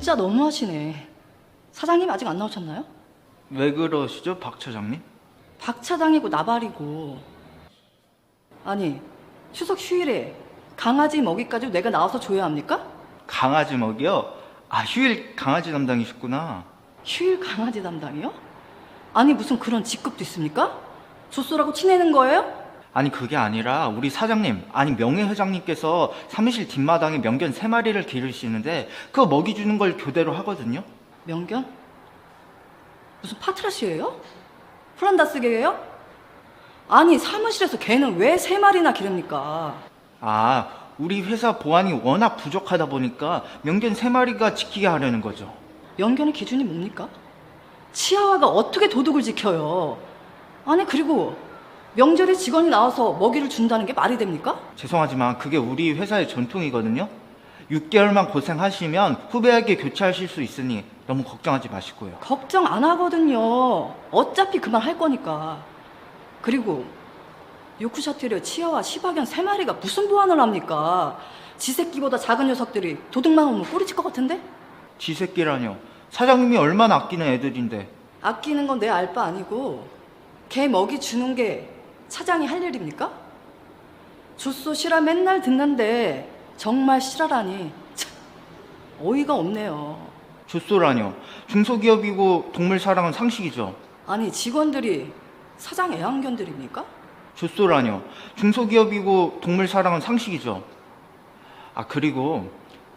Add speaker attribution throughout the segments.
Speaker 1: 진짜 너무하시네. 사장님 아직 안 나오셨나요?
Speaker 2: 왜 그러시죠, 박 차장님?
Speaker 1: 박 차장이고 나발이고. 아니, 추석 휴일에 강아지 먹이까지 내가 나와서 줘야 합니까?
Speaker 2: 강아지 먹이요? 아, 휴일 강아지 담당이셨구나.
Speaker 1: 휴일 강아지 담당이요? 아니, 무슨 그런 직급도 있습니까? 조쏘라고 치내는 거예요?
Speaker 2: 아니, 그게 아니라 우리 사장님, 아니 명예회장님께서 사무실 뒷마당에 명견 3마리를 기르시는데 그거 먹이 주는 걸 교대로 하거든요.
Speaker 1: 명견? 무슨 파트라시예요? 프란다스계예요? 아니, 사무실에서 개는 왜 3마리나 기릅니까?
Speaker 2: 아, 우리 회사 보안이 워낙 부족하다 보니까 명견 3마리가 지키게 하려는 거죠.
Speaker 1: 명견의 기준이 뭡니까? 치아와가 어떻게 도둑을 지켜요? 아니, 그리고 명절에 직원이 나와서 먹이를 준다는 게 말이 됩니까?
Speaker 2: 죄송하지만 그게 우리 회사의 전통이거든요. 6개월만 고생하시면 후배에게 교체하실 수 있으니 너무 걱정하지 마시고요.
Speaker 1: 걱정 안 하거든요. 어차피 그만 할 거니까. 그리고 요크셔테리어 치아와 시바견 3마리가 무슨 보안을 합니까? 지 새끼보다 작은 녀석들이 도둑만 오면 꼬리칠 것 같은데?
Speaker 2: 지 새끼라뇨. 사장님이 얼마나 아끼는 애들인데.
Speaker 1: 아끼는 건 내 알 바 아니고 개 먹이 주는 게 차장이 할 일입니까? 조쏘 실화 맨날 듣는데 정말 실화라니 참, 어이가 없네요.
Speaker 2: 조쏘라뇨. 중소기업이고 동물 사랑은 상식이죠.
Speaker 1: 아니, 직원들이 사장 애완견들입니까?
Speaker 2: 조쏘라뇨. 중소기업이고 동물 사랑은 상식이죠. 아, 그리고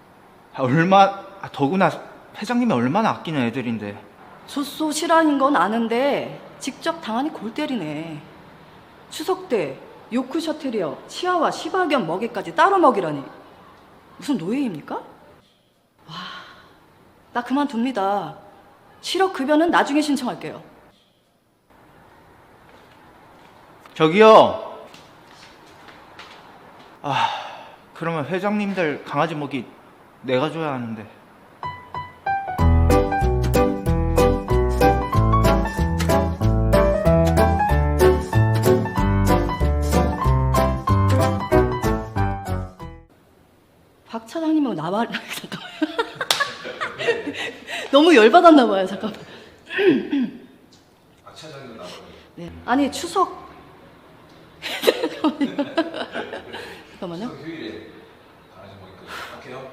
Speaker 2: 더구나 회장님이 얼마나 아끼는 애들인데.
Speaker 1: 조쏘 실화인 건 아는데 직접 당하니 골 때리네. 추석 때 요크셔테리어 치아와 시바견 먹이까지 따로 먹이라니 무슨 노예입니까? 와, 나 그만둡니다. 실업급여는 나중에 신청할게요.
Speaker 2: 저기요. 아, 그러면 회장님들 강아지 먹이 내가 줘야 하는데.
Speaker 1: 박 차장님하고 나발 잠깐만. 너무 열받았나 봐요. 잠깐만.
Speaker 3: 박 차장님 나와요.
Speaker 1: 네. 아니, 추석 잠깐만요.
Speaker 3: 휴일에 강아지 먹이까지 할게요.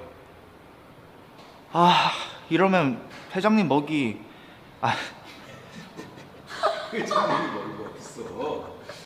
Speaker 2: 아, 이러면 회장님 먹이. 아,
Speaker 3: 회장님이 먹이.